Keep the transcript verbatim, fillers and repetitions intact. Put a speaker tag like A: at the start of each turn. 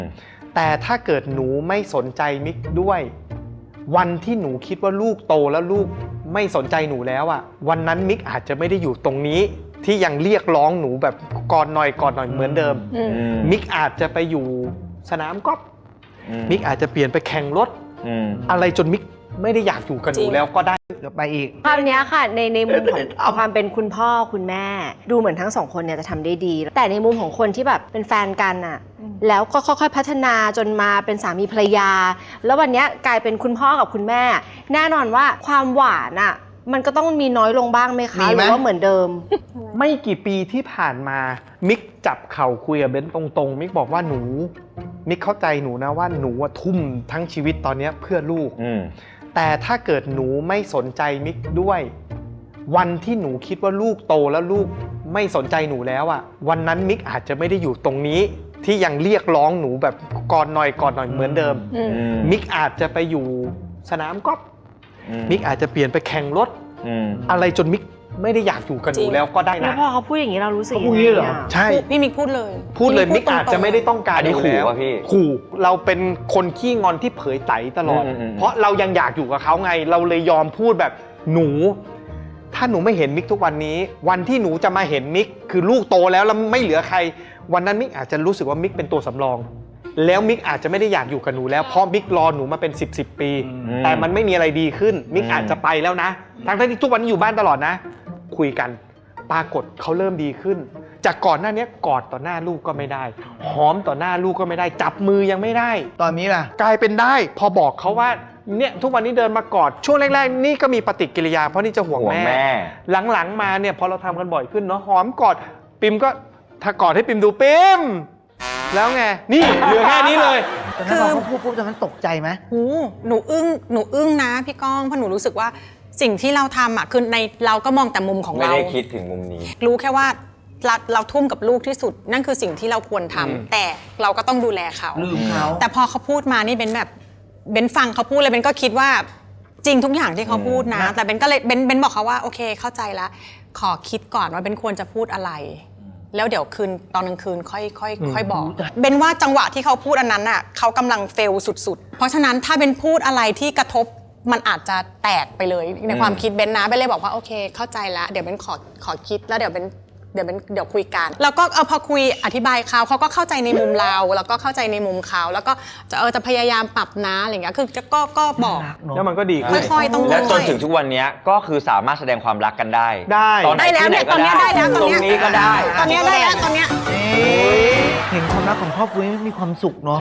A: แต่ถ้าเกิดหนูไม่สนใจมิกด้วยวันที่หนูคิดว่าลูกโตแล้วลูกไม่สนใจหนูแล้วอ่ะวันนั้นมิกอาจจะไม่ได้อยู่ตรงนี้ที่ยังเรียกร้องหนูแบบกอดหน่อยกอดหน่อยเหมือนเดิมมิกอาจจะไปอยู่สนามกอล์ฟมิกอาจจะเปลี่ยนไปแข่งรถอะไรจนมิกไม่ได้อยากอยู่กับหนูแล้วก็ได้
B: ไปอีก
C: ภาพนี้ค่ะในในมุมของความเป็นคุณพ่อคุณแม่ดูเหมือนทั้งสองคนเนี่ยจะทำได้ดีแต่ในมุมของคนที่แบบเป็นแฟนกันอะแล้วก็ค่อยๆพัฒนาจนมาเป็นสามีภรรยาแล้ววันนี้กลายเป็นคุณพ่อกับคุณแม่แน่นอนว่าความหวานอะมันก็ต้องมีน้อยลงบ้างไหมคะหรือว่าเหมือนเดิม
A: ไม่กี่ปีที่ผ่านมามิกจับเข่าคุยกับเบนตรงๆมิกบอกว่าหนูมิกเข้าใจหนูนะว่าหนูทุ่มทั้งชีวิตตอนนี้เพื่อลูกแต่ถ้าเกิดหนูไม่สนใจมิกด้วยวันที่หนูคิดว่าลูกโตแล้วลูกไม่สนใจหนูแล้วอ่ะวันนั้นมิกอาจจะไม่ได้อยู่ตรงนี้ที่ยังเรียกร้องหนูแบบกอดหน่อยกอดหน่อยเหมือนเดิมมิกอาจจะไปอยู่สนามกอล์ฟมิกอาจจะเปลี่ยนไปแข่งรถอะไรจนมิกไม่ได้อยากอยู่กับหนูแล้วก็ได้นะ
C: แล้วพอเขาพูดอย่างนี้เรารู้สึกยังไงอ่ะ
A: ใช่
D: พี่มิกพูดเลย
A: พูดเลยมิกอาจจะไม่ได้ต้องการ
E: อันนี้ขู่ป่ะพี่
A: ขู่เราเป็นคนขี้งอนที่เผยไตตลอดเพราะเรายังอยากอยู่กับเขาไงเราเลยยอมพูดแบบหนูถ้าหนูไม่เห็นมิกทุกวันนี้วันที่หนูจะมาเห็นมิกคือลูกโตแล้วแล้วไม่เหลือใครวันนั้นมิกอาจจะรู้สึกว่ามิกเป็นตัวสำรองแล้วมิกอาจจะไม่ได้อยากอยู่กับหนูแล้วเพราะมิกรอหนูมาเป็นสิบสิบปีแต่มันไม่มีอะไรดีขึ้นมิกอาจจะไปแล้วนะทั้งที่ทุกวันนี้อยู่บ้านตลอดนะคุยกันปรากฏเขาเริ่มดีขึ้นจากก่อนหน้านี้กอดต่อหน้าลูกก็ไม่ได้หอมต่อหน้าลูกก็ไม่ได้จับมือยังไม่ได้
B: ตอนนี้ล่ะ
A: กลายเป็นได้พอบอกเขาว่าเนี่ยทุกวันนี้เดินมากอดช่วงแรกๆนี่ก็มีปฏิกิริยาเพราะนี่จะห่วงแม่หลังๆมาเนี่ยพอเราทำกันบ่อยขึ้นเนาะหอมกอดปิมก็ถ้ากอดให้ปิมดูปิมแล้วไงนี่เหลือแค่นี้เลย
B: ตอนนั้นพอเขาพูดปุ๊บตอนนั้นตกใจไหม
D: หูหนูอึ้งหนูอึ้งนะพี่ก้องเพราะหนูรู้สึกว่าสิ่งที่เราทำอ่ะคือในเราก็มองแต่มุมของเรา
E: ไม่ได้คิดถึงมุมนี้
D: รู้แค่ว่าเราเราทุ่มกับลูกที่สุดนั่นคือสิ่งที่เราควรทำแต่เราก็ต้องดูแลเขา
B: ลืมเขา
D: แต่พอเขาพูดมานี่เบนแบบเบนฟังเขาพูดเลยเบนก็คิดว่าจริงทุกอย่างที่เขาพูดนะแต่เบนก็เลยเบนเบนบอกเขาว่าโอเคเข้าใจแล้วขอคิดก่อนว่าเบนควรจะพูดอะไรแล้วเดี๋ยวคืนตอนกลางคืนค่อยค่อยค่อยบอกเบนว่าจังหวะที่เขาพูดอันนั้นอ่ะเขากำลังเฟลสุดๆเพราะฉะนั้นถ้าเบนพูดอะไรที่กระทบมันอาจจะแตกไปเลยในความคิดเบนนะเบนเลยบอกว่าโอเคเข้าใจแล้วเดี๋ยวเบนขอขอคิดแล้วเดี๋ยวเบนเดี๋ยวเบนเดี๋ยวคุยกันแล้วก็เออพอคุยอธิบายเขาเขาก็เข้าใจในมุมเราแล้วก็เข้าใจในมุมเขาแล้วก็จะเออจะพยายามปรับนะอะไรอย่างเงี้ยคือจะก็ก็บอก
A: แล้วมันก็ดีขึ้น
D: ค่อยๆต้อง
E: และจนถึงทุกวันนี้ก็คือสามารถแสดงความรักกันได้
A: ได้
E: ตอนไหนที่ไหนก็ได้ตรงนี้ก็ได้
D: ตอนนี้ได้แล้วตอนนี้
B: เห็นความรักของครอบครัวมีความสุขเนาะ